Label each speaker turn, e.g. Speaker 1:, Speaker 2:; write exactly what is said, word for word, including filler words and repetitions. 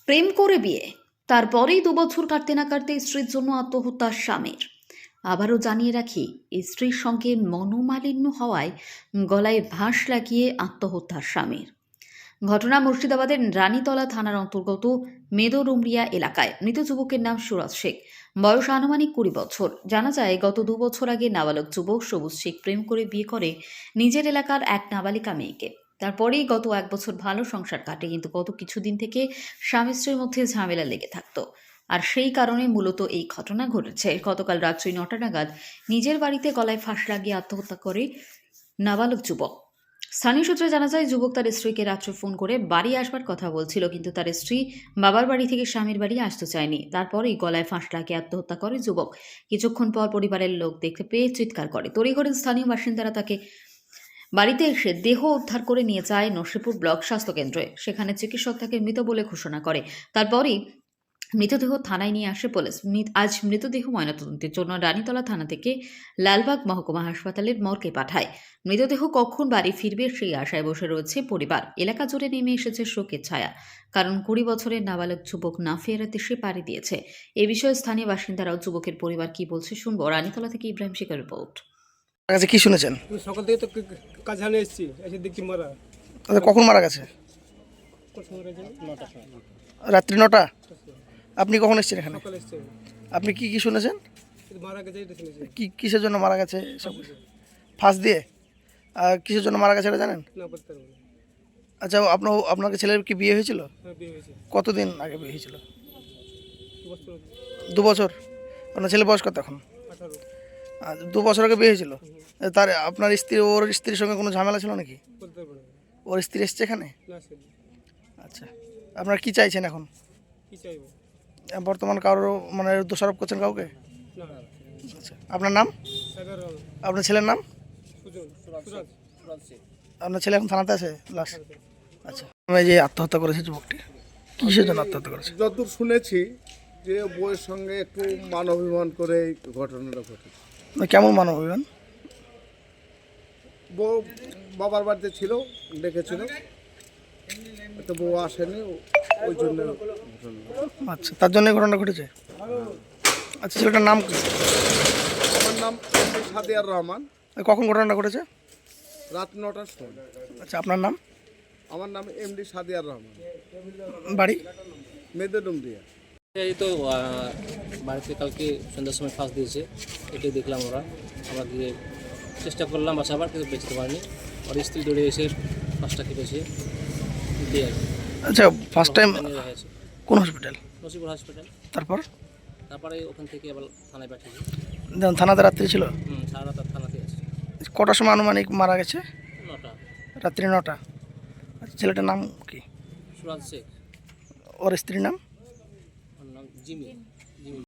Speaker 1: প্রেম করে বিয়ে, তারপরেই দু বছর কাটতে না কাটতে স্ত্রীর জন্য আত্মহত্যা স্বামীর। আবারও জানিয়ে রাখি, স্ত্রীর সঙ্গে মনোমালিন্য হওয়ায় গলায় ফাঁস লাগিয়ে আত্মহত্যা স্বামীর। ঘটনা মুর্শিদাবাদের রানীতলা থানার অন্তর্গত মেদোরুমরিয়া এলাকায়। মৃত যুবকের নাম সুরাজ শেখ, বয়স আনুমানিক কুড়ি বছর। জানা যায়, গত দু বছর আগে নাবালক যুবক সবুজ শেখ প্রেম করে বিয়ে করে নিজের এলাকার এক নাবালিকা মেয়েকে। তারপরেই গত এক বছর ভালো সংসার কাটে, কিন্তু গত কিছুদিন থেকে স্বামী স্ত্রীর মধ্যে ঝামেলা লেগে থাকতো। আর সেই কারণে মূলত এই ঘটনা ঘটেছে। গতকাল রাত্রি নটা নাগাদ নিজের বাড়িতে গলায় ফাঁস লাগিয়ে আত্মহত্যা করে নাবালক যুবক। স্থানীয় সূত্রে জানা যায়, যুবক তার স্ত্রীকে রাত্রে ফোন করে বাড়ি আসবার কথা বলছিল, কিন্তু তার স্ত্রী বাবার বাড়ি থেকে স্বামীর বাড়ি আসতে চায়নি। তারপরেই গলায় ফাঁস লাগিয়ে আত্মহত্যা করে যুবক। কিছুক্ষণ পর পরিবারের লোক দেখতে পেয়ে চিৎকার করে। তড়িঘড়ি স্থানীয় বাসিন্দারা তাকে বাড়িতে এসে দেহ উদ্ধার করে নিয়ে যায় নরসিংপুর ব্লক স্বাস্থ্যকেন্দ্রে। সেখানে চিকিৎসক তাকে মৃত বলে ঘোষণা করে। তারপরই মৃতদেহ থানায় নিয়ে আসে পুলিশ। আজ মৃতদেহ ময়নাতদন্তের জন্য রানীতলা থানা থেকে লালবাগ মহকুমা হাসপাতালের মর্গে পাঠায়। মৃতদেহ কখন বাড়ি ফিরবে সেই আশায় বসে রয়েছে পরিবার। এলাকা জুড়ে নেমে এসেছে শোকের ছায়া, কারণ কুড়ি বছরের নাবালক যুবক না ফেরার দেশে পাড়ি দিয়েছে। এ বিষয়ে স্থানীয় বাসিন্দারাও যুবকের পরিবার কি বলছে শুনবো। রানীতলা থেকে ইব্রাহিম শেখের রিপোর্ট।
Speaker 2: কাছে কি শুনেছেন?
Speaker 3: সকাল থেকে তো কাজ হানে এসেছি, এসে দেখছি মারা।
Speaker 2: তাহলে কখন মারা গেছে? রাত্রি নটা। আপনি কখন এসেছেন এখানে?
Speaker 3: সকালে এসছে,
Speaker 2: আপনি কি কি শুনেছেন?
Speaker 3: মারা গেছে এটা শুনেছি।
Speaker 2: কি কিসের জন্য মারা গেছে? সব ফাঁস দিয়ে? আর কিসের জন্য মারা গেছে এটা জানেন?
Speaker 3: না বলতে পারবো না।
Speaker 2: আচ্ছা, আপনার আপনার ছেলের কি বিয়ে হয়েছিল?
Speaker 3: হ্যাঁ, বিয়ে হয়েছে
Speaker 2: কতদিন আগে বিয়ে হয়েছিল?
Speaker 3: দু বছর আগে।
Speaker 2: দু বছর। আপনার ছেলে বয়স কত এখন?
Speaker 3: আঠারো।
Speaker 2: আর দু বছর আগে বিয়ে হয়েছিল। তার আপনার স্ত্রী, ওর স্ত্রীর সঙ্গে কোনো ঝামেলা ছিল নাকি?
Speaker 3: বলতে পারবো না।
Speaker 2: ওর স্ত্রী এসছে এখানে?
Speaker 3: না সে
Speaker 2: আচ্ছা, আপনার কি চাইছেন এখন?
Speaker 3: কি চাইবো?
Speaker 2: বর্তমান কারোর মানে দোষারোপ করছেন কাউকে?
Speaker 3: না।
Speaker 2: আচ্ছা, আপনার নাম?
Speaker 3: সাগর রহমান।
Speaker 2: আপনার ছেলের নাম?
Speaker 3: সুজন, সুরাজ, সুরাজ শেখ।
Speaker 2: আপনার ছেলে এখন থানাতে আছে লাশ? আচ্ছা, এই যে আত্মহত্যা করেছে যুবকটি, কিসের জন্য আত্মহত্যা করেছে?
Speaker 4: যতদূর শুনেছি যে বউয়ের সঙ্গে একটু মান অভিমান করে এই ঘটনাটা ঘটেছে।
Speaker 2: না, কেমন মানব অভিমান?
Speaker 4: বউ বাবার বাড়িতে ছিল, ডেকেছিল, তো বউ আসেনি, ওই জন্য ঘটনা।
Speaker 2: আচ্ছা, তার জন্য ঘটনা ঘটেছে। আচ্ছা, ছেলেটার নাম কি?
Speaker 4: আমার নাম এমডি সাদিয়ার রহমান।
Speaker 2: কখন ঘটনাটা ঘটেছে?
Speaker 4: রাত নটার সময়।
Speaker 2: আচ্ছা, আপনার নাম?
Speaker 4: আমার নাম এমডি সাদিয়ার রহমান,
Speaker 2: বাড়ি?
Speaker 4: মেদডুমরিয়া।
Speaker 5: এই তো আহ, বাড়িতে কালকে সন্ধ্যার সময় ফাঁস দিয়েছে, এটাই দেখলাম। ওরা আমরা গিয়ে চেষ্টা করলাম বাঁচাবার, কিন্তু বেঁচতে পারিনি। ওর স্ত্রী দৌড়ে এসে ফাঁসটা কেটেছে দিয়ে আর কি।
Speaker 2: আচ্ছা, ফার্স্ট টাইম
Speaker 5: নিয়ে হয়েছে
Speaker 2: কোন হসপিটাল?
Speaker 5: নসিপুর হসপিটাল।
Speaker 2: তারপর
Speaker 5: তারপরে ওখান থেকে আবার থানায় পাঠিয়েছি।
Speaker 2: যখন থানাতে রাত্রি ছিল,
Speaker 5: হুম, সারা রাত আর থানাতে আছে।
Speaker 2: কটার সময় আনুমানিক মারা গেছে?
Speaker 5: নটা।
Speaker 2: রাত্রি নটা। আচ্ছা, ছেলেটার নাম কি?
Speaker 5: সুরাজ শেখ।
Speaker 2: ওর স্ত্রীর নাম?
Speaker 5: ওর নাম জিমি। জিমি